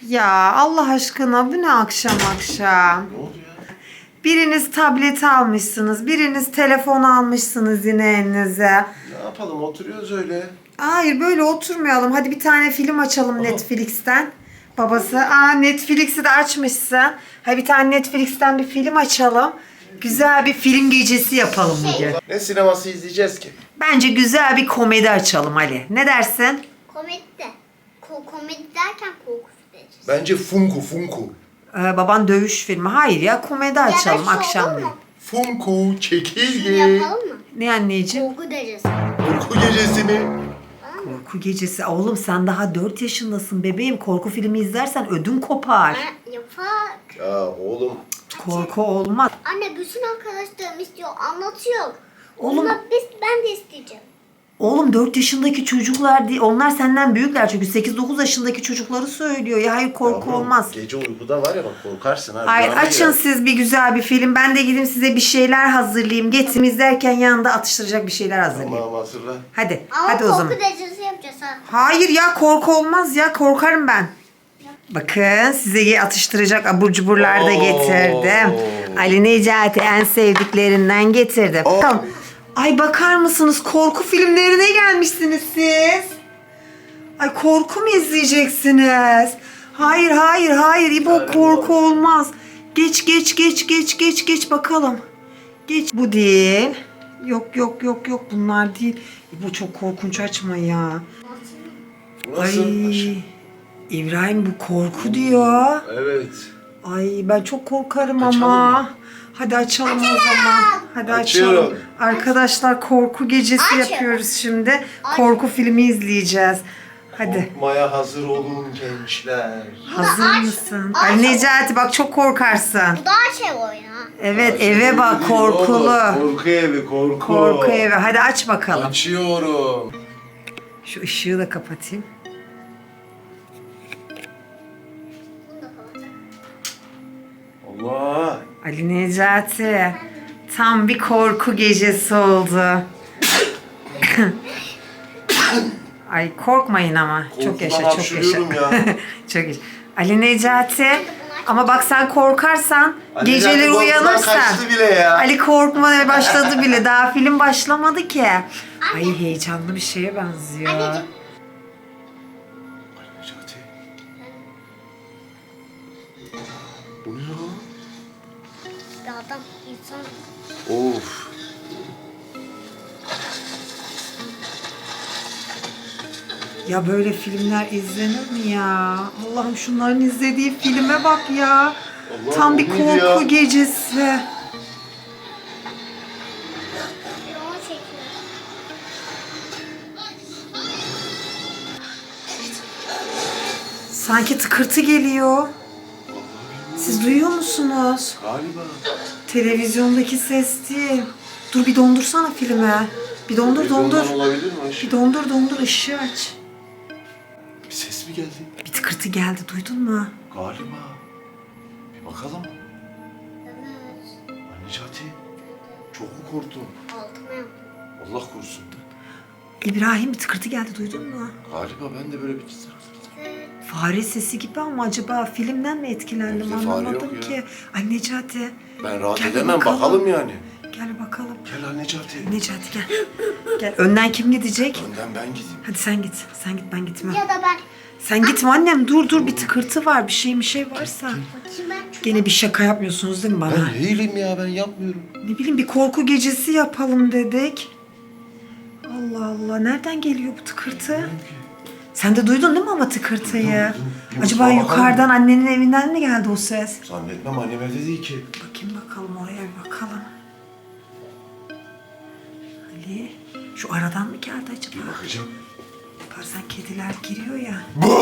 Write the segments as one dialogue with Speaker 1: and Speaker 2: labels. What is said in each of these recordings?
Speaker 1: Ya Allah aşkına bu ne akşam akşam?
Speaker 2: Ne oldu ya?
Speaker 1: Biriniz tablet almışsınız, biriniz telefon almışsınız yine elinize.
Speaker 2: Ne yapalım, oturuyoruz öyle.
Speaker 1: Hayır böyle oturmayalım. Hadi bir tane film açalım Netflix'ten. Babası, Netflix'i de açmışsın. Hadi bir tane Netflix'ten bir film açalım. Güzel bir film gecesi yapalım bugün.
Speaker 2: Ne sineması izleyeceğiz ki?
Speaker 1: Bence güzel bir komedi açalım Ali. Ne dersin?
Speaker 3: Komedi de. Komedi derken korku filmi.
Speaker 2: Bence Funku.
Speaker 1: Baban dövüş filmi. Hayır ya komedi açalım akşamleyin.
Speaker 2: Funku çekirge.
Speaker 3: Yapalım mı?
Speaker 1: Ne anneciğim?
Speaker 3: Korku derecesi.
Speaker 2: Uyku gecesi mi?
Speaker 1: Korku gecesi. Oğlum sen daha 4 yaşındasın bebeğim. Korku filmi izlersen ödün kopar.
Speaker 3: Yapak.
Speaker 2: Ya oğlum.
Speaker 1: Korku olmaz.
Speaker 3: Anne bütün arkadaşlarım istiyor. Anlatıyor.
Speaker 1: Oğlum-
Speaker 3: Onlar ben de isteyeceğim.
Speaker 1: Oğlum 4 yaşındaki çocuklar değil. Onlar senden büyükler çünkü 8-9 yaşındaki çocukları söylüyor. Ya hayır korku
Speaker 2: Yavrum,
Speaker 1: olmaz.
Speaker 2: Gece uykuda var ya bak korkarsın ha.
Speaker 1: Hayır
Speaker 2: rüyana
Speaker 1: açın
Speaker 2: girer.
Speaker 1: siz bir güzel bir film. Ben de gideyim size bir şeyler hazırlayayım. Getirin izlerken yanında atıştıracak bir şeyler hazırlayayım.
Speaker 2: Tamam hazırla.
Speaker 1: Hadi.
Speaker 3: Ama
Speaker 1: Hadi o
Speaker 3: korku
Speaker 1: zaman.
Speaker 3: derecesi yapacağız ha.
Speaker 1: Hayır ya korku olmaz ya. Korkarım ben. Bakın size atıştıracak abur cuburlar da
Speaker 2: Oo.
Speaker 1: getirdim. Ali Necati en sevdiklerinden getirdim. Tamam. Ay bakar mısınız korku filmlerine gelmişsiniz siz. Ay korku mu izleyeceksiniz? Hayır İbo korku olmaz. Geç bakalım. Geç. Bu değil. Yok bunlar değil. İbo çok korkunç açma ya.
Speaker 2: Bu nasıl?
Speaker 1: Ay İbrahim bu korku diyor.
Speaker 2: Evet.
Speaker 1: Ay ben çok korkarım
Speaker 2: Açalım
Speaker 1: ama.
Speaker 2: mı?
Speaker 1: Hadi açalım o zaman. Hadi
Speaker 2: Açıyorum.
Speaker 1: açalım. Arkadaşlar korku gecesi
Speaker 3: Açın.
Speaker 1: yapıyoruz şimdi. Korku filmi izleyeceğiz. Hadi.
Speaker 2: Korkmaya hazır olun gençler.
Speaker 1: Hazır
Speaker 3: aç.
Speaker 1: mısın?
Speaker 3: Aç.
Speaker 1: Ali Necati bak çok korkarsın.
Speaker 3: Bu daha şey oyunu ha.
Speaker 1: Evet eve bak korkulu.
Speaker 2: Korku evi korku.
Speaker 1: Korku evi. Hadi aç bakalım.
Speaker 2: Açıyorum.
Speaker 1: Şu ışığı da kapatayım.
Speaker 3: Bunu da kapatacağım.
Speaker 2: Allah.
Speaker 1: Ali Necati. Tam bir korku gecesi oldu. Ay korkmayın ama. Çok yaşa,
Speaker 2: Korkudan
Speaker 1: çok yaşa.
Speaker 2: hapşırıyorum ya.
Speaker 1: Çok yaşa. Ali Necati. Ama bak sen korkarsan,
Speaker 2: Ali
Speaker 1: geceleri
Speaker 2: Necati korkudan
Speaker 1: uyanırsan.
Speaker 2: kaçtı bile ya.
Speaker 1: Ali korkmaya başladı bile. Daha film başlamadı ki. Ay heyecanlı bir şeye benziyor.
Speaker 3: Anneciğim.
Speaker 2: Necati. Bu ne ya?
Speaker 3: Bir adam insan.
Speaker 2: Of.
Speaker 1: Ya böyle filmler izlenir mi ya? Allah'ım şunların izlediği filme bak ya.
Speaker 2: Allah,
Speaker 1: Tam bir
Speaker 2: o neydi
Speaker 1: korku
Speaker 2: ya?
Speaker 1: gecesi.
Speaker 3: Bir onu çekiyor.
Speaker 1: Sanki tıkırtı geliyor. Siz duyuyor musunuz?
Speaker 2: Galiba.
Speaker 1: Televizyondaki ses değil. Dur bir dondursana filmi. Bir dondur
Speaker 2: Televizyondan olabilir mi?
Speaker 1: Bir dondur ışığı aç.
Speaker 2: Bir ses mi geldi?
Speaker 1: Bir tıkırtı geldi duydun mu?
Speaker 2: Galiba. Bir bakalım.
Speaker 3: Evet.
Speaker 2: Ay Necati. Çok mu korktun?
Speaker 3: Altıma yaptım.
Speaker 2: Allah korusun.
Speaker 1: İbrahim bir tıkırtı geldi duydun mu?
Speaker 2: Galiba ben de böyle bir
Speaker 3: Evet.
Speaker 1: Fare sesi gibi ama acaba filmden mi etkilendim
Speaker 2: Evde fare
Speaker 1: anlamadım
Speaker 2: yok
Speaker 1: ki.
Speaker 2: ya.
Speaker 1: Ay Necati.
Speaker 2: Ben rahat
Speaker 1: Gel
Speaker 2: edemem
Speaker 1: bakalım.
Speaker 2: bakalım yani.
Speaker 1: Gel bakalım.
Speaker 2: Gel lan Necati.
Speaker 1: Necati gel. Gel önden kim gidecek?
Speaker 2: Önden ben gideyim.
Speaker 1: Hadi sen git. Sen git ben gitmem.
Speaker 3: Ya da ben.
Speaker 1: Sen gitme annem dur bir tıkırtı var bir şey varsa.
Speaker 3: Bakayım ben.
Speaker 1: Gene bir şaka yapmıyorsunuz değil mi bana?
Speaker 2: Ben değilim ya ben yapmıyorum.
Speaker 1: Ne bileyim bir korku gecesi yapalım dedik. Allah Allah nereden geliyor bu tıkırtı? Sen de duydun değil mi ama tıkırtıyı?
Speaker 2: Duydum. Bir
Speaker 1: Acaba
Speaker 2: mutfağa
Speaker 1: yukarıdan annenin evinden mi geldi o ses?
Speaker 2: Zannetmem annem evde değil ki.
Speaker 1: Bakayım bakalım oraya bir bakalım. Ali şu aradan mı geldi acaba?
Speaker 2: Bir bakacağım.
Speaker 1: Bakarsan kediler giriyor ya.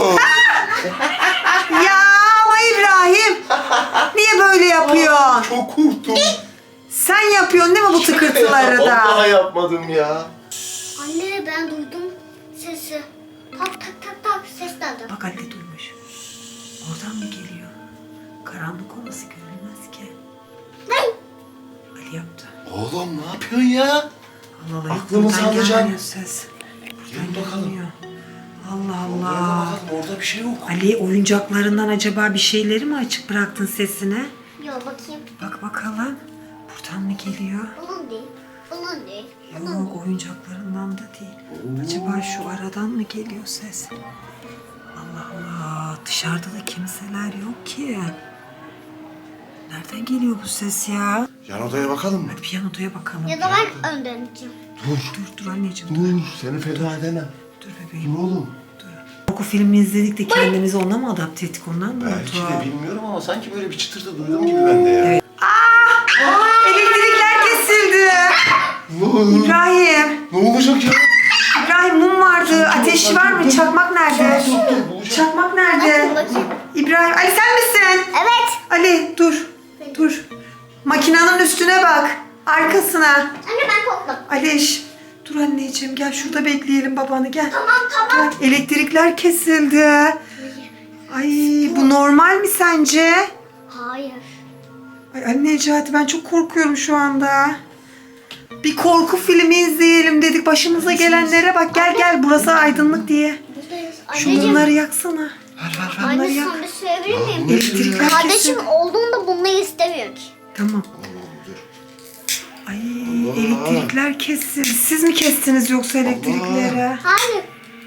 Speaker 1: Ya ama İbrahim niye böyle yapıyorsun?
Speaker 2: Çok korktum.
Speaker 1: Sen yapıyorsun değil mi bu tıkırtıları da?
Speaker 2: Vallahi yapmadım ya.
Speaker 3: Anne ben duydum sesi. Tak ses geldi.
Speaker 1: Bak anne duymuş. Oradan mı geliyor? Karanlık olması görünmez ki. Ali yaptı.
Speaker 2: Oğlum ne yapıyorsun ya?
Speaker 1: Allah Allah.
Speaker 2: Aklımızı
Speaker 1: buradan
Speaker 2: alacaksın.
Speaker 1: gelmiyor ses.
Speaker 2: Gelin bakalım.
Speaker 1: Gelmiyor. Allah Allah
Speaker 2: Oraya da
Speaker 1: Allah.
Speaker 2: bakalım, orada bir şey yok.
Speaker 1: Ali oyuncaklarından acaba bir şeyleri mi açık bıraktın sesine?
Speaker 3: Yok bakayım.
Speaker 1: Bak bakalım. Buradan mı geliyor?
Speaker 3: Bunun değil. Bunun değil. Bunun değil.
Speaker 1: Yok oyuncaklarından da değil. Acaba şu aradan mı geliyor ses? Allah Allah. Dışarıda da kimseler yok ki. Nereden geliyor bu ses ya?
Speaker 2: Yan odaya bakalım mı?
Speaker 1: Hadi piyanoya bakalım.
Speaker 3: Ya da ben önden gideceğim.
Speaker 1: Dur anneciğim.
Speaker 2: Dur, seni feda edemem.
Speaker 1: Dur bebeğim.
Speaker 2: Dur oğlum.
Speaker 1: Korku filmi izledik de kendimizi ona mı adapte ettik ondan mı
Speaker 2: Belki
Speaker 1: oldu?
Speaker 2: de bilmiyorum ama sanki böyle bir çıtırtı duydum gibi ben de ya.
Speaker 1: Evet. Elektrikler kesildi.
Speaker 2: Ne oldu?
Speaker 1: İbrahim.
Speaker 2: Ne olacak ya?
Speaker 1: İbrahim mum vardı. Ateşi var mı? Çakmak nerede?
Speaker 2: Dur.
Speaker 1: Çakmak nerede?
Speaker 3: Bakayım.
Speaker 1: İbrahim. Ali sen misin?
Speaker 3: Evet.
Speaker 1: Ali dur. Dur. Makinanın üstüne bak. Arkasına.
Speaker 3: Anne ben korkmadım.
Speaker 1: Aliş. Dur anneciğim gel şurada bekleyelim babanı gel.
Speaker 3: Tamam.
Speaker 1: Gel. Elektrikler kesildi. Ay bu normal mi sence?
Speaker 3: Hayır.
Speaker 1: Ay anne Necati ben çok korkuyorum şu anda. Bir korku filmi izleyelim dedik. Başımıza gelenlere bak. Gel burası aydınlık diye.
Speaker 3: Buradayız.
Speaker 1: Şu
Speaker 3: Anneciğim.
Speaker 1: mumları yaksana.
Speaker 2: Ver.
Speaker 1: Bunları
Speaker 3: Anne
Speaker 1: yak.
Speaker 3: sana bir söyleyebilir miyim?
Speaker 1: Elektrikler kesildi.
Speaker 3: Kardeşim olduğunda bunları istemiyor ki.
Speaker 1: Tamam. Ay elektrikler kesildi. Siz mi kestiniz yoksa elektrikleri?
Speaker 3: Hayır.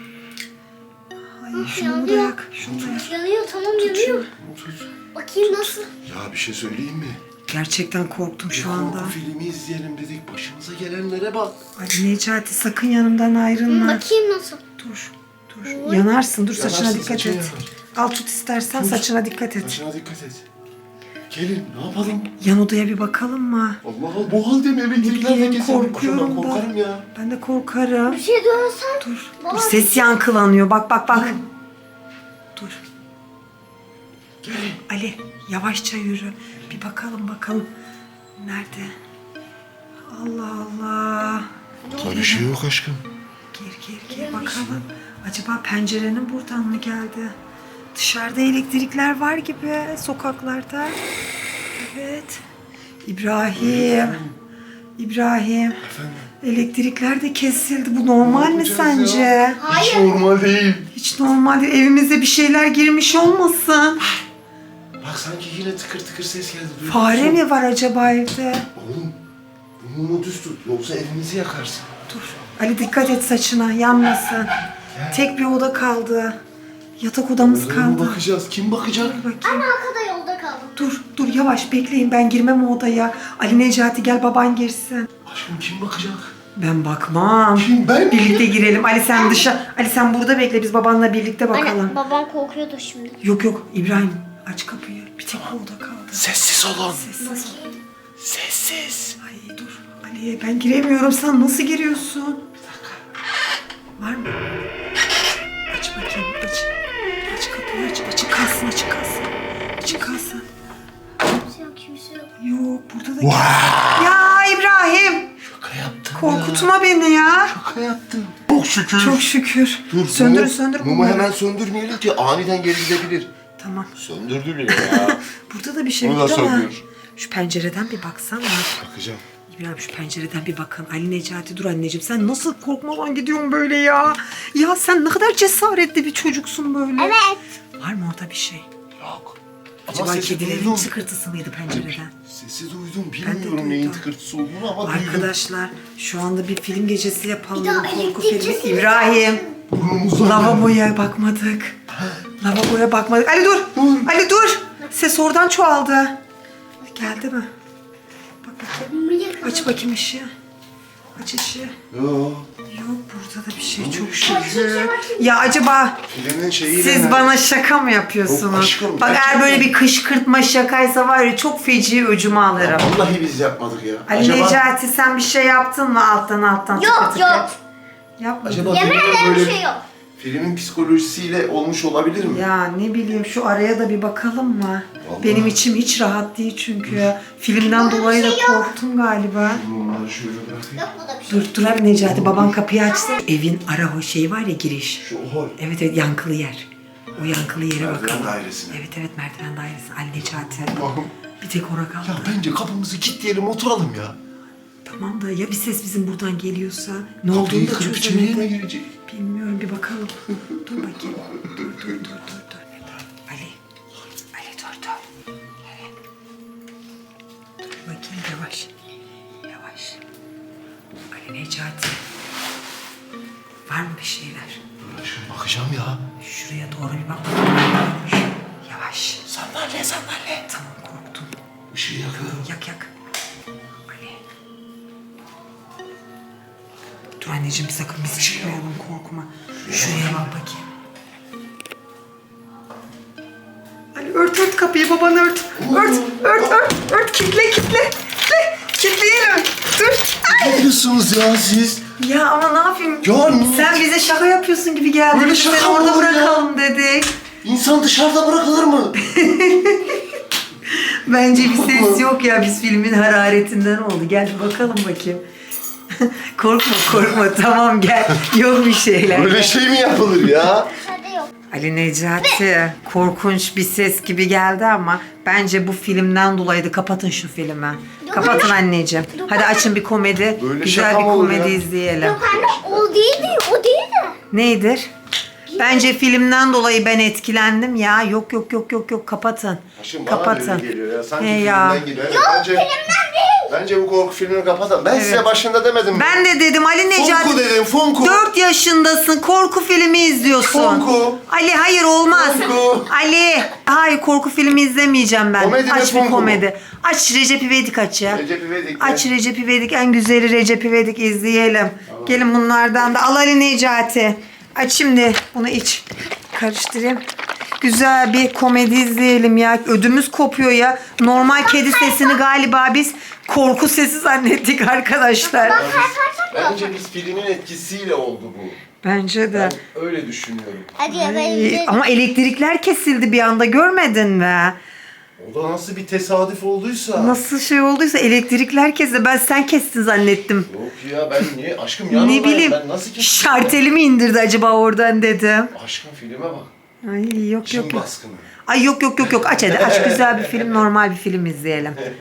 Speaker 1: Ay şunu da yak. Şunu da yak.
Speaker 3: Yanıyor tamam yanıyor. Bakayım nasıl?
Speaker 2: Ya bir şey söyleyeyim mi?
Speaker 1: Gerçekten korktum şu anda.
Speaker 2: Korku filmi izleyelim dedik. Başımıza gelenlere bak.
Speaker 1: Ay Necati sakın yanımdan ayrılma.
Speaker 3: Bakayım nasıl?
Speaker 1: Dur. Yanarsın. Dur saçına
Speaker 2: Yanarsın,
Speaker 1: dikkat
Speaker 2: saçın
Speaker 1: et.
Speaker 2: yanar.
Speaker 1: Al tut istersen saçına dikkat et.
Speaker 2: Saçına dikkat et. Gelin ne yapalım?
Speaker 1: Yan odaya bir bakalım mı?
Speaker 2: Allah Allah bu halde mi elektrikler de
Speaker 1: bileyim,
Speaker 2: kesildi?
Speaker 1: korkuyorum
Speaker 2: Ben
Speaker 1: da.
Speaker 2: korkarım ya.
Speaker 1: Ben de korkarım.
Speaker 3: Bir şey duyarsan.
Speaker 1: Dur.
Speaker 3: Baba.
Speaker 1: Dur ses yankılanıyor. Bak. Dur.
Speaker 2: Gelin.
Speaker 1: Ali yavaşça yürü. Bir bakalım. Nerede? Allah Allah.
Speaker 2: Karışıyor yok aşkım.
Speaker 1: Gir bakalım. Acaba pencerenin buradan mı geldi? Dışarıda elektrikler var gibi sokaklarda. Evet. İbrahim.
Speaker 2: Efendim.
Speaker 1: Elektrikler de kesildi. Bu normal mi
Speaker 2: yapacağız
Speaker 1: sence?
Speaker 2: ya? Hiç normal değil.
Speaker 1: Hiç normal değil. Evimize bir şeyler girmiş olmasın.
Speaker 2: Bak sanki yine tıkır tıkır ses geldi. Duyuyor
Speaker 1: Fare
Speaker 2: musun?
Speaker 1: mi var acaba evde?
Speaker 2: Oğlum bu mumu düz tut yoksa evimizi yakarsın.
Speaker 1: Dur. Ali dikkat et saçına yanmasın. Tek bir oda kaldı. Yatak odamız
Speaker 2: Odaya mı
Speaker 1: kaldı.
Speaker 2: bakacağız? Kim bakacak?
Speaker 1: Dur bakayım.
Speaker 3: Anne arkada yolda kaldım.
Speaker 1: Dur yavaş bekleyin ben girmem o odaya. Ali Necati gel baban girsin.
Speaker 2: Aşkım kim bakacak?
Speaker 1: Ben bakmam.
Speaker 2: Kim ben?
Speaker 1: Birlikte girelim. Ali sen burada bekle biz babanla birlikte bakalım.
Speaker 3: Anne babam korkuyordu şimdi.
Speaker 1: Yok İbrahim aç kapıyı. Bir tek o oda kaldı.
Speaker 2: Sessiz olun.
Speaker 1: Sessiz ol.
Speaker 2: Sessiz.
Speaker 1: Ay dur Ali ben giremiyorum sen nasıl giriyorsun? Bir dakika. Var mı? Aç bakayım aç. Aç kapıyı aç. Açık kalsın.
Speaker 3: Kimse yok.
Speaker 1: Yok burada da
Speaker 2: Wow.
Speaker 1: Ya İbrahim
Speaker 2: Şaka yaptım
Speaker 1: korkutma beni ya.
Speaker 2: Şaka yaptım. Çok şükür.
Speaker 1: Çok şükür.
Speaker 2: Dur,
Speaker 1: söndür
Speaker 2: mumu
Speaker 1: bunları.
Speaker 2: hemen söndürmeyelim ki aniden geri gidebilir.
Speaker 1: Tamam.
Speaker 2: Söndürdü bile ya.
Speaker 1: Burada da bir şey
Speaker 2: Bunu
Speaker 1: yok
Speaker 2: da
Speaker 1: ama.
Speaker 2: söndür.
Speaker 1: Şu pencereden bir baksana.
Speaker 2: Bakacağım.
Speaker 1: İbrahim şu pencereden bir bakın. Ali Necati dur anneciğim sen nasıl korkmadan gidiyorsun böyle ya? Ya sen ne kadar cesaretli bir çocuksun böyle.
Speaker 3: Evet.
Speaker 1: Var mı orada bir şey?
Speaker 2: Yok.
Speaker 1: Acaba
Speaker 2: Ama sesi
Speaker 1: kedilerin
Speaker 2: duydum.
Speaker 1: tıkırtısı mıydı pencereden?
Speaker 2: Sesi duydum.
Speaker 1: Ben de
Speaker 2: Bilmiyorum neyin
Speaker 1: duydum.
Speaker 2: tıkırtısı olduğunu ama duydum.
Speaker 1: Arkadaşlar şu anda bir film gecesi yapalım.
Speaker 3: Bir daha
Speaker 1: Korku
Speaker 3: elektrik
Speaker 1: filmi.
Speaker 3: kesildi.
Speaker 1: İbrahim.
Speaker 2: Burnumuzdan.
Speaker 1: Lavaboya bakmadık. Ali dur. Ali dur. Ses oradan çoğaldı. Geldi mi? Bak bakayım. Aç bakayım ışığı. Aç ışığı.
Speaker 2: Yok.
Speaker 1: Yok burada da bir şey çok şükür. Ya acaba
Speaker 2: Filmin şeyiyle.
Speaker 1: siz bana şaka mı yapıyorsunuz?
Speaker 2: Yok aşkım,
Speaker 1: Bak eğer
Speaker 2: gerçekten.
Speaker 1: böyle bir kışkırtma şakaysa var ya çok feci öcümü alırım.
Speaker 2: Vallahi biz yapmadık ya.
Speaker 1: Ali Necati sen bir şey yaptın mı alttan?
Speaker 3: Yok.
Speaker 1: Yapma.
Speaker 2: Acaba
Speaker 3: Yemin
Speaker 2: filmde
Speaker 3: ederim
Speaker 2: böyle
Speaker 3: bir şey yok.
Speaker 2: filmin psikolojisiyle olmuş olabilir mi?
Speaker 1: Ya ne bileyim şu araya da bir bakalım mı?
Speaker 2: Vallahi.
Speaker 1: Benim içim hiç rahat değil çünkü. Filmden dolayı da korktum galiba.
Speaker 2: Bunları şöyle bırakayım.
Speaker 3: Yok burada bir şey.
Speaker 1: Dur abi Necati baban kapıyı açsın. Evin ara o şey var ya giriş.
Speaker 2: Şu hol.
Speaker 1: Evet yankılı yer. O yankılı yere
Speaker 2: Merdiven
Speaker 1: bakalım.
Speaker 2: dairesine.
Speaker 1: Evet merdiven dairesi. Ali Necati.
Speaker 2: Allah'ım.
Speaker 1: Bir tek ora kaldı.
Speaker 2: Ya bence kapımızı kilitleyelim oturalım ya.
Speaker 1: Tamam da ya bir ses bizim buradan geliyorsa ne
Speaker 2: Kapıyı
Speaker 1: olduğunu da
Speaker 2: kırıp içeriye mi
Speaker 1: çözemedim.
Speaker 2: girecek?
Speaker 1: Bilmiyorum, bir bakalım. Dur bakayım. Dur. Ali. Ali dur. Evet. Dur bakayım, yavaş. Ali Necati. Var mı bir şeyler?
Speaker 2: Şimdi bakacağım ya.
Speaker 1: Şuraya doğru bir bak. Yavaş.
Speaker 2: Sandalye.
Speaker 1: Tamam, korktum.
Speaker 2: Işığı yakıyorum.
Speaker 1: Yak. Ali. Dur anneciğim, sakın biz çıkmayalım, korkma. Şuraya bak bakayım. Ali ört kapıyı, baban ört. Ört. Kitle. Kitleyelim. Dur.
Speaker 2: Ne diyorsunuz ya siz?
Speaker 1: Ya ama ne yapayım?
Speaker 2: Ya niye?
Speaker 1: Sen bize şaka yapıyorsun gibi geldin.
Speaker 2: Böyle
Speaker 1: Biz
Speaker 2: şaka
Speaker 1: seni
Speaker 2: mı
Speaker 1: orada
Speaker 2: olur ya?
Speaker 1: bırakalım dedik.
Speaker 2: İnsan dışarıda bırakılır mı?
Speaker 1: Bence bir ses yok ya. Biz filmin hararetinden oldu. Gel bakalım bakayım. korkma. Tamam gel. Yok bir şeyler.
Speaker 2: Böyle şey mi yapılır ya?
Speaker 3: Dışarıda yok.
Speaker 1: Ali Necati, korkunç bir ses gibi geldi ama bence bu filmden dolayıydı. Kapatın şu filmi. Kapatın anneciğim. Hadi açın bir komedi.
Speaker 2: Böyle
Speaker 1: Güzel
Speaker 2: şaka
Speaker 1: bir
Speaker 2: mı olur
Speaker 1: komedi
Speaker 2: ya?
Speaker 1: izleyelim.
Speaker 3: Yok anne o değildi.
Speaker 1: Nedir? Bence filmden dolayı ben etkilendim ya. Yok. Kapatın.
Speaker 2: Haşım bana
Speaker 1: Kapatın.
Speaker 2: öyle geliyor ya. Sanki
Speaker 1: He ya.
Speaker 2: filmden geliyor. Bence bu korku filmini kapatalım. Ben size başında demedim mi?
Speaker 1: Ben de dedim Ali Necati.
Speaker 2: Funku dedim, Funku.
Speaker 1: 4 yaşındasın, korku filmi izliyorsun.
Speaker 2: Funku.
Speaker 1: Ali hayır olmaz.
Speaker 2: Funku.
Speaker 1: Ali hayır, korku filmi izlemeyeceğim ben.
Speaker 2: Komedi mi,
Speaker 1: aç bir
Speaker 2: Funku mu?
Speaker 1: komedi. Aç Recep İvedik aç ya.
Speaker 2: Recep İvedik.
Speaker 1: Aç Recep İvedik, en güzeli Recep İvedik izleyelim. Gelin bunlardan da al Ali Necati. Aç şimdi bunu, iç. Karıştırayım. Güzel bir komedi izleyelim ya. Ödümüz kopuyor ya. Normal kedi sesini galiba biz korku sesi zannettik arkadaşlar.
Speaker 2: Bence biz filmin etkisiyle oldu bu.
Speaker 1: Bence de.
Speaker 2: Ben öyle düşünüyorum.
Speaker 3: Hadi
Speaker 1: Ay,
Speaker 3: yapalım.
Speaker 1: ama elektrikler kesildi bir anda, görmedin mi?
Speaker 2: O da nasıl bir tesadüf olduysa.
Speaker 1: Nasıl şey olduysa elektrikler kesildi. Ben sen kestin zannettim.
Speaker 2: Yok ya, ben niye? Aşkım yanımdayım.
Speaker 1: Ne bileyim.
Speaker 2: Ben nasıl kestim?
Speaker 1: Şarteli mi indirdi acaba oradan dedim.
Speaker 2: Aşkım filme bak.
Speaker 1: Ay yok.
Speaker 2: Çin baskını.
Speaker 1: Ay yok. Aç hadi, aç güzel bir film, normal bir film izleyelim.